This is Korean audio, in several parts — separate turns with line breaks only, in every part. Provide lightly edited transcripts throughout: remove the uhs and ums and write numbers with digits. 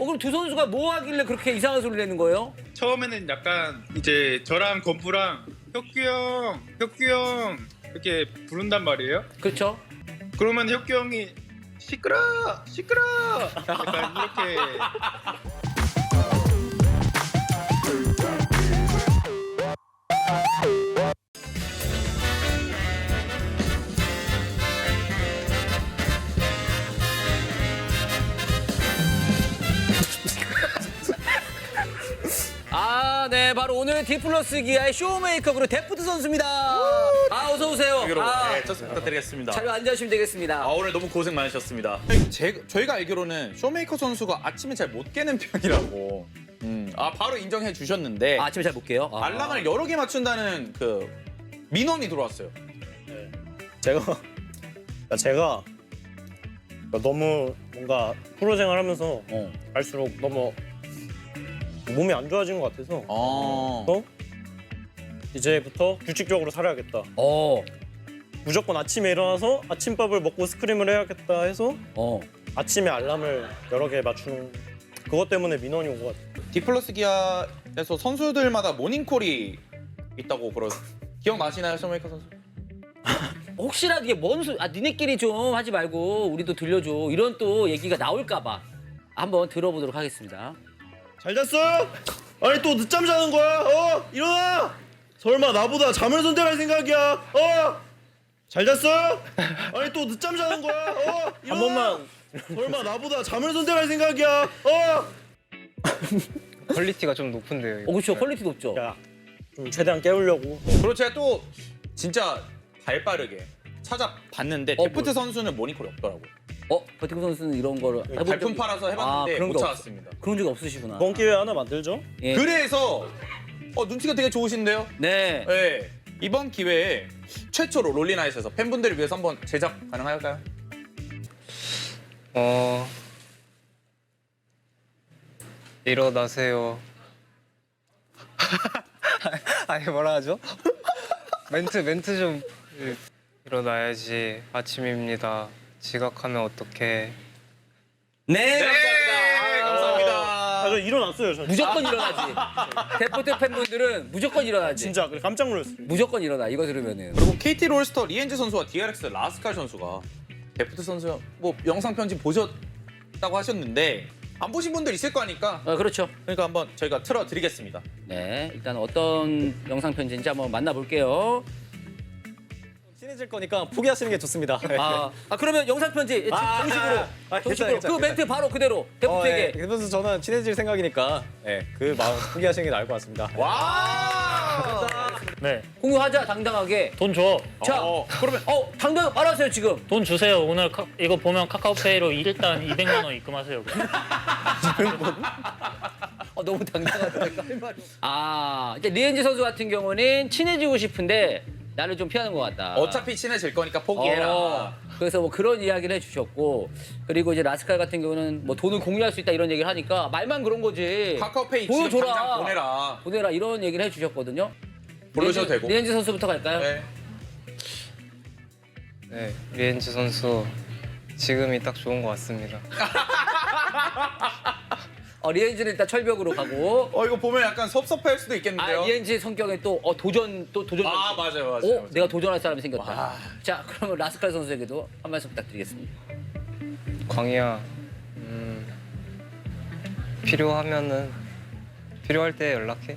그럼 두 선수가 뭐 하길래 그렇게 이상한 소리를 내는 거예요?
처음에는 약간 이제 저랑 건프랑 혁규 형 이렇게 부른단 말이에요.
그렇죠?
그러면 혁규 형이 시끄러 약간 이렇게.
아, 네, 바로 오늘 디플러스 기아의 쇼메이커 그리고 데프트 선수입니다. 어서 오세요.
네, 첫 부탁드리겠습니다.
자료 앉아주시면 되겠습니다.
오늘 너무 고생 많으셨습니다. 저희가 알기로는 쇼메이커 선수가 아침에 잘 못 깨는 편이라고. 바로 인정해 주셨는데
아침에 잘 볼게요.
알람을 여러 개 맞춘다는 그 민원이 들어왔어요.
제가 너무 뭔가 프로 생활하면서 갈수록 너무 몸이 안 좋아진 것 같아서 이제부터 규칙적으로 살아야겠다. 무조건 아침에 일어나서 아침밥을 먹고 스크림을 해야겠다 해서 아침에 알람을 여러 개 맞추는 그것 때문에 민원이 온 것 같아요.
디플러스 기아에서 선수들마다 모닝콜이 있다고 기억나시나요, 쇼메이커 선수?
혹시라도 이게 뭔 소리, 니네끼리 좀 하지 말고 우리도 들려줘. 이런 또 얘기가 나올까봐 한번 들어보도록 하겠습니다.
잘 잤어? 아니 또 늦잠 자는 거야? 일어나! 설마 나보다 잠을 선택할 생각이야? 잘 잤어? 아니 또 늦잠 자는 거야? 일어나! 한 번만. 설마 나보다 잠을 선택할 생각이야?
퀄리티가 좀 높은데요.
그렇죠. 퀄리티 높죠.
야, 좀 최대한 깨우려고.
그리고 제가 또 진짜 발빠르게 찾아봤는데 데프트 선수는 모닝콜이 없더라고요.
버티크 선수는 이런 거를
발품 팔아서 해봤는데
그런
못
게
찾았습니다.
그런 적이 없으시구나.
이번 기회에 하나 만들죠?
예.
그래서 눈치가 되게 좋으신데요?
네.
네. 이번 기회에 최초로 롤리나잇에서 팬분들을 위해서 한번 제작 가능할까요?
일어나세요. 아니 뭐라 하죠? 멘트 좀 일어나야지. 아침입니다. 지각하면 어떡해.
네, 감사합니다.
감사합니다.
저 일어났어요. 저
무조건 일어나지. 데프트 팬분들은 무조건 일어나지.
진짜 그래 깜짝 놀랐어요.
무조건 일어나. 이거 들으면은.
그리고 KT 롤스터 리엔즈 선수와 DRX 라스칼 선수가 데프트 선수 뭐 영상 편집 보셨다고 하셨는데 안 보신 분들 있을 거니까
그렇죠.
그러니까 한번 저희가 틀어드리겠습니다.
네, 일단 어떤 영상 편지인지 한번 만나볼게요.
친해질 거니까 포기하시는 게 좋습니다.
그러면 영상 편지 정식으로.
괜찮아요.
그 멘트 바로 그대로 데프트에게.
그래서 저는 친해질 생각이니까 그 마음 포기하시는 게 나을 것 같습니다.
와!
네,
공유하자 당당하게.
돈 줘.
자,
그러면
당당 말하세요 지금.
돈 주세요. 오늘 이거 보면 카카오페이로 일단 200만 원 입금하세요.
너무 당당하다. 이제 리엔지 선수 같은 경우는 친해지고 싶은데 나를 좀 피하는 것 같다.
어차피 친해질 거니까 포기해라.
그래서 뭐 그런 이야기를 해주셨고, 그리고 이제 라스칼 같은 경우는 뭐 돈을 공유할 수 있다 이런 얘기를 하니까 말만 그런 거지.
카카오페이 지금
보여줘라.
당장 보내라.
보내라 이런 얘기를 해주셨거든요.
부르셔도 되고.
리엔지 선수부터 갈까요?
네.
네, 리엔즈 선수 지금이 딱 좋은 것 같습니다.
리엔지는 일단 철벽으로 가고.
이거 보면 약간 섭섭할 수도 있겠는데요.
리엔지 성격에 또 도전.
맞아요.
내가 도전할 사람이 생겼다.
와.
자, 그러면 라스칼 선수에게도 한 말씀 부탁드리겠습니다.
광희야, 필요할 때 연락해.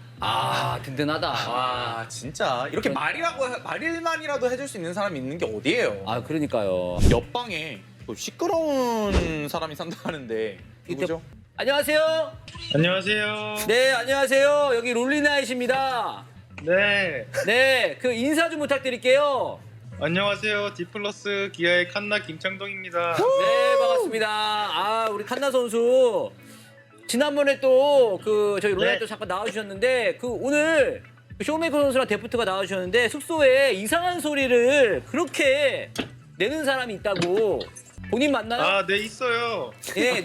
든든하다.
진짜 이렇게 말일만이라도 해줄 수 있는 사람이 있는 게 어디예요?
그러니까요.
옆방에 또 시끄러운 사람이 산다는데 누구죠?
안녕하세요.
안녕하세요.
네, 안녕하세요. 여기 롤리나잇입니다.
네.
네, 그 인사 좀 부탁드릴게요.
안녕하세요. 디플러스 기아의 칸나 김창동입니다.
네, 반갑습니다. 우리 칸나 선수. 지난번에 또 저희 롤라이트 잠깐 나와주셨는데 오늘 쇼메이커 선수랑 데프트가 나와주셨는데 숙소에 이상한 소리를 그렇게 내는 사람이 있다고. 본인 맞나요?
네, 있어요.
예.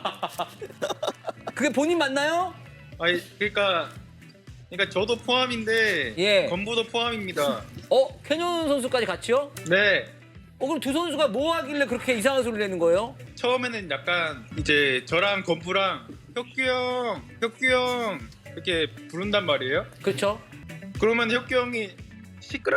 그게 본인 맞나요?
그러니까 저도 포함인데
예.
건부도 포함입니다.
캐년 선수까지 같이요?
네.
그럼 두 선수가 뭐 하길래 그렇게 이상한 소리를 내는 거예요?
처음에는 약간 이제 저랑 건프랑 혁규 형 이렇게 부른단 말이에요.
그렇죠?
그러면 혁규 형이 시끄러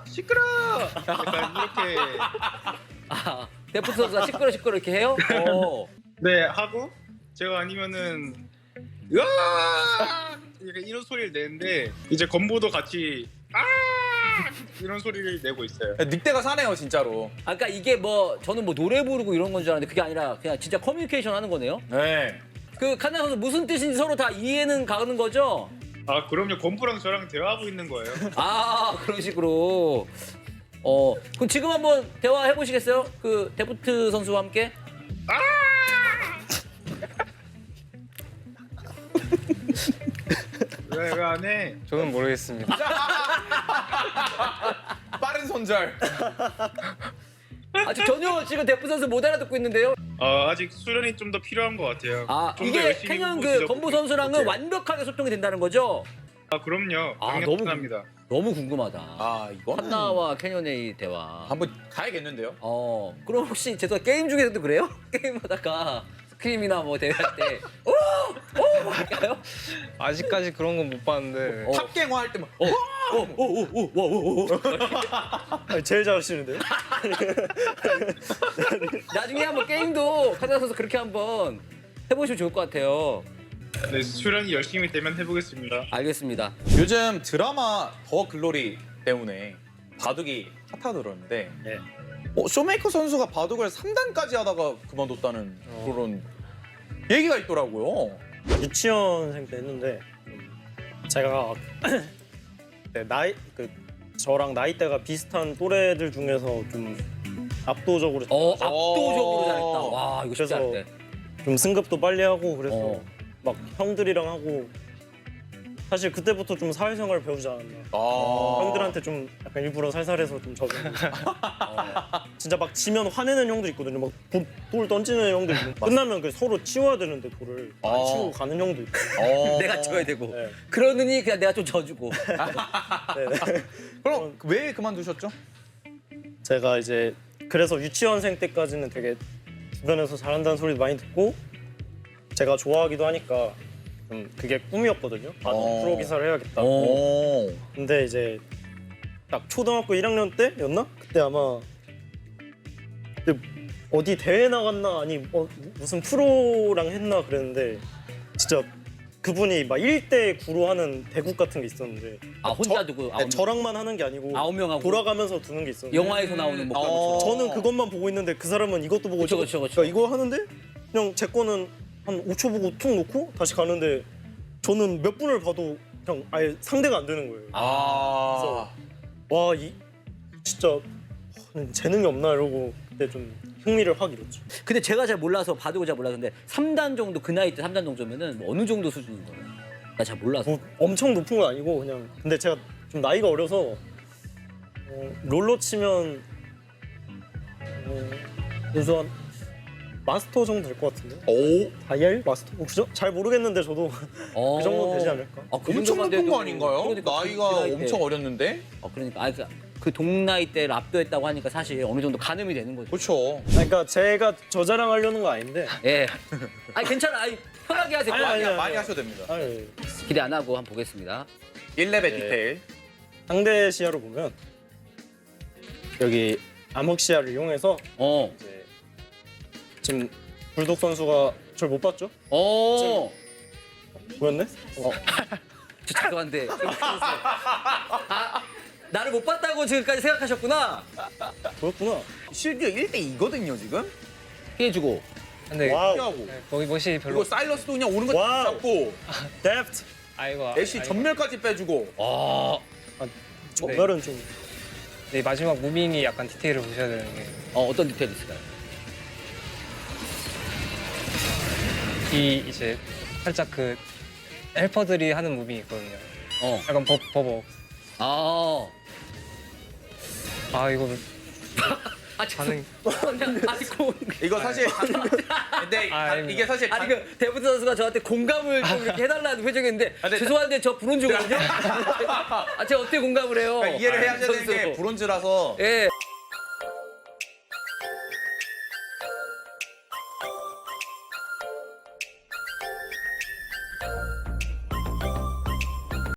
약간 이렇게
아, 데프트 선수가 시끄러 이렇게 해요?
네 하고 제가 아니면은 으아 약간 이런 소리를 내는데 이제 건보도 같이 아 이런 소리를 내고 있어요.
늑대가 사네요 진짜로.
아까 이게 뭐 저는 뭐 노래 부르고 이런 건 줄 알았는데 그게 아니라 그냥 진짜 커뮤니케이션 하는 거네요.
네.
그 칸나 선수 무슨 뜻인지 서로 다 이해는 가는 거죠?
아 그럼요. 건프랑 저랑 대화하고 있는 거예요.
아 그런 식으로. 그럼 지금 한번 대화해 보시겠어요? 그 데프트 선수와 함께.
왜 안 해?
저는 모르겠습니다.
빠른 손절.
아직 전혀 지금 데프트 선수 못 알아듣고 있는데요.
아직 수련이 좀 더 필요한 것 같아요.
아
좀더
이게
열심히
캐년
보고
그
지적
건부 선수랑은
볼게요.
완벽하게 소통이 된다는 거죠?
아 그럼요.
아,
당연합니다.
너무 궁금하다.
아 이거는
칸나와 캐년의 대화.
한번 가야겠는데요.
그럼 혹시 죄송 게임 중에서도 그래요? 게임하다가 스크림이나 뭐 대회할 때 오! 할까요?
아직까지 그런 건 못 봤는데
탑갱화 할 때만
오오오오오오
제일 잘하시는데요?
나중에 한번 게임도 칸나 선수 그렇게 한번 해보시면 좋을 것 같아요.
네, 수련이 열심히 되면 해보겠습니다.
알겠습니다.
요즘 드라마 더 글로리 때문에 바둑이 핫하더라는데
네.
쇼메이커 선수가 바둑을 3단까지 하다가 그만뒀다는 그런 얘기가 있더라고요.
유치원생 때 했는데 제가 네, 저랑 나이대가 비슷한 또래들 중에서 좀 압도적으로
압도적으로 잘했다. 와 이거 쉽지
그래서
않대.
좀 승급도 빨리 하고 그래서
어.
막 형들이랑 하고 사실 그때부터 좀 사회생활을 배우지 않았나. 형들한테 좀 약간 일부러 살살해서 좀 적응. 진짜 막 지면 화내는 형들 있거든요. 막 돌 던지는 형들 있고 끝나면 그 서로 치워야 되는데 돌을 안 치우고 가는 형도 있고.
내가 쳐야 되고.
네.
그러느니 그냥 내가 좀 져주고.
네.
그럼 왜 그만두셨죠?
제가 이제 그래서 유치원생 때까지는 되게 주변에서 잘한다는 소리도 많이 듣고 제가 좋아하기도 하니까 좀 그게 꿈이었거든요. 프로 기사를 해야겠다. 근데 이제 딱 초등학교 1학년 때였나? 그때 아마 그때 어디 대회 나갔나 아니 무슨 프로랑 했나 그랬는데 진짜 그분이 막 1대 9로 하는 대국 같은 게 있었는데
혼자 두고
네, 저랑만 하는 게 아니고
9명하고
돌아가면서 두는 게 있었는데
영화에서 나오는 뭐 그런 것처럼.
저는 그것만 보고 있는데 그 사람은 이것도 보고
그쵸, 그쵸, 그쵸.
그러니까 이거 하는데 그냥 제 거는 한 5초 보고 툭 놓고 다시 가는데 저는 몇 분을 봐도 그냥 아예 상대가 안 되는 거예요. 와, 이 진짜 재능이 없나 이러고 그때 좀 흥미를 확 잃었죠.
근데 제가 잘 몰라서 바둑을 잘 몰랐는데 3단 정도 그 나이 때 3단 정도면은 뭐 어느 정도 수준인 거예요? 나 잘 몰라서.
뭐 엄청 높은 건 아니고 그냥 근데 제가 좀 나이가 어려서 롤로 치면 그래서 한 마스터 정도 될 것 같은데.
오,
다이얼 마스터? 그죠? 잘 모르겠는데 저도 그 정도 되지 않을까?
그
엄청
정도만
높은
돼도-
거 아닌가요?
그러니까
나이가
그 나이 때.
엄청 어렸는데.
그러니까 그 동나이 때를 압도했다고 하니까 사실 어느 정도 가늠이 되는 거죠.
그렇죠.
그러니까 제가 저 자랑하려는 거 아닌데.
예. 아니 괜찮아. 아니 편하게 하세요.
아니.
많이 하셔도 됩니다.
아니,
기대 안 하고 한번 보겠습니다.
1레벨 디테일.
상대 시야로 보면 여기 암흑 시야를 이용해서 이제 지금 불독 선수가 저를 못 봤죠? 보였네?
저 죄송한데. 나를 못 봤다고 지금까지 생각하셨구나.
보였구나.
실드 1대2거든요 지금.
피해주고.
근데
와우.
피하고.
거기 멋이
이거
별로
사일러스도 그냥 오는 거
와우.
잡고
데프트.
아이고
애쉬 전멸까지 빼주고.
정말은 좀
네, 마지막 무빙이 약간 디테일을 보셔야 되는 게
어떤 디테일이 있을까요?
이 이제 살짝 그 헬퍼들이 하는 무빙이 있거든요. 약간 버벅. 이거 반응
그냥 아이고.
이거 사실 근데
아닙니다.
이게 사실
아니 그 데프트 선수가 저한테 공감을 좀 이렇게 해달라는 표정인데
근데
죄송한데 저 브론즈거든요. 제가 어떻게 공감을 해요?
이해를 해야 되는
선수.
게 브론즈라서
예.